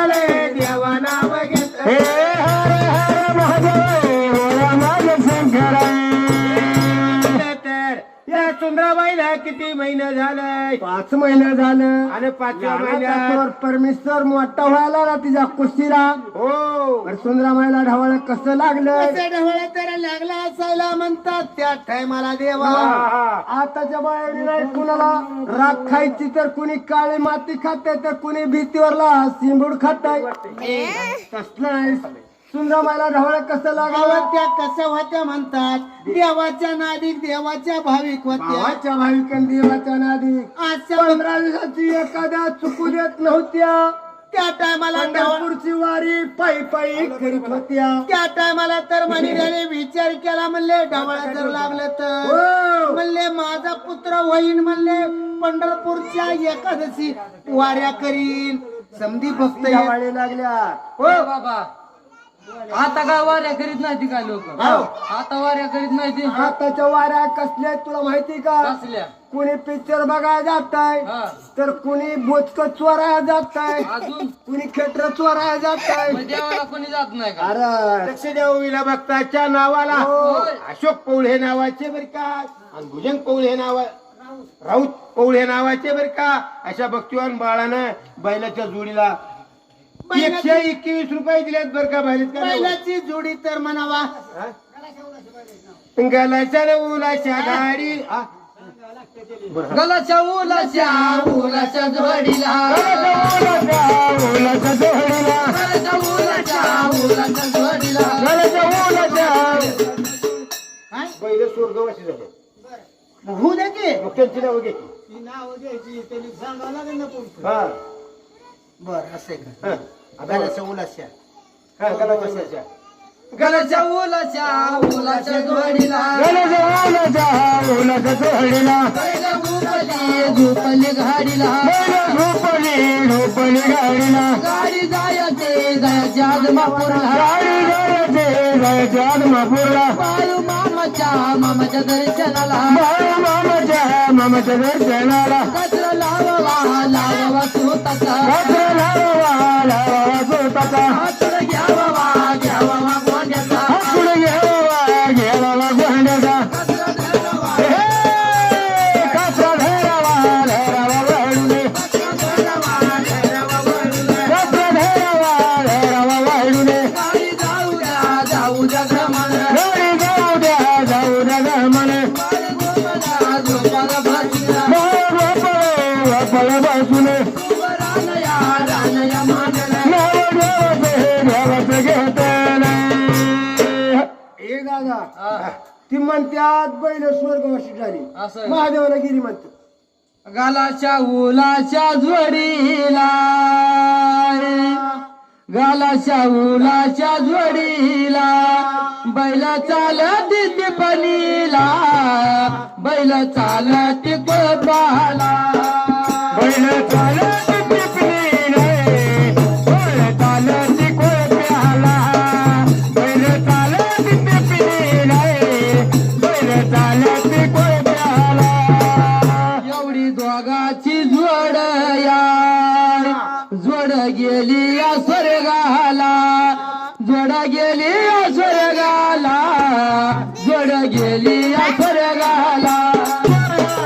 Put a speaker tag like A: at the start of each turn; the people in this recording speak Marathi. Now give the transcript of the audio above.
A: झाले देवा नाव घेत
B: हे हर हर महादेव बोला माझे शंकरा
A: तर या सुंदराबाईला किती महिने झाले
B: 5 महिने झालं
A: आणि 5व्या महिन्यात
B: महिन्यात परमेश्वर मोठा व्हायला ना तिच्या कुस्तीला
A: हो
B: सुंदराबाईला ढवळ कसं लागलं
A: ढवळा तर लागला असायला म्हणतात त्या टायमाला देवा
B: आताच्या बाहेर नाही कुणाला राख खायची तर कुणी काळी माती खाते तर कुणी भीतीवरला सिंबूड खाताय तसलं नाही सुंदराबाईला ढवळ कसं लागलं
A: त्या कशा होत्या म्हणतात देवाच्या नादिक देवाच्या भाविक होत्या
B: देवाच्या भाविकां देवाच्या नादी
A: आजच्या
B: 15 दिवसाची एखाद्या चुकू देत नव्हत्या
A: त्या टायमाला
B: पंढरपूरची वारी पायी पायी करीत होत्या
A: त्या टायमाला तर मनीराने विचार केला म्हणले ढवळा जर लागलं तर
B: हो.
A: म्हणले माझा पुत्र होईन म्हणले पंढरपूरच्या एकादशी वाऱ्या करीन समधी भक्त
B: वाढी लागल्या
A: हो
C: बाबा आता काय वाऱ्या करीत नाही ती काय लोक
A: हो.
C: आता वाऱ्या करीत नाही ती
B: आताच्या वाऱ्या कसल्या आहेत तुला माहिती का
C: कसल्या
B: कुणी पिक्चर बघायला जाताय
C: हा.
B: तर कुणी बोचक चोरायला जाताय
C: अजून
B: कुणी खेटर चोरायला जाताय
C: मग देवाला कोणी जात नाही का
B: अरे
A: लक्षदेवीला भक्ताच्या नावाला
C: होय.
A: अशोक पौळ हे नावाचे बर का आणि भुजंग पौळ हे नावा राऊत पौळ हे नावाचे बर का अशा भक्तिवान बाळानं बैलाच्या जोडीला 121 रुपये दिलेत बर का बैलाची जोडी तर म्हणावा गलाच्या न उलाच्या गाडी
C: गलाच्या उलाच्या जोडीला
B: ओलाच्या जोडीला
C: गलाच्या उलाच्या जोडीला
A: बैल स्वर्गवासी झाले होऊ द्या की मग त्यांची नावं घे हा
B: बर असे का
A: हा गलाच्या उलाच्या
C: गलाच्या उलाच्या जोडीला
B: ओलाच्या जोडीला
C: झोपली घाडीला
B: झोपली गाडीला
C: गाडी जायचे आदमापूरला
B: जादमापूरला
C: बाळू मामाच्या दर्शनाला
B: मामाच्या दर्शनाला
C: कचरा लावावा स्वतःचा हातून घ्यावा गोंड्याचा गाडी जाऊ द्या घ्रमण झोपाला भाजीला रानया मांडला
B: ती म्हणत्यात बैल स्वर्गवासी झाली
C: असं आहे.
B: महादेवाला गिरी म्हणतो
C: गालाच्या उलाच्या जोडीला जोडीला बैल चालत टिपणीला बैल चालत कोपाला
B: बैल चालत टिपणीला बैल चालत कोप्याला बैल चालत टिपणीला बैल चालत कोप्याला
C: एवढी दोघाची जोड गेली या स्वर्गाला जोड गेली या स्वर्गाला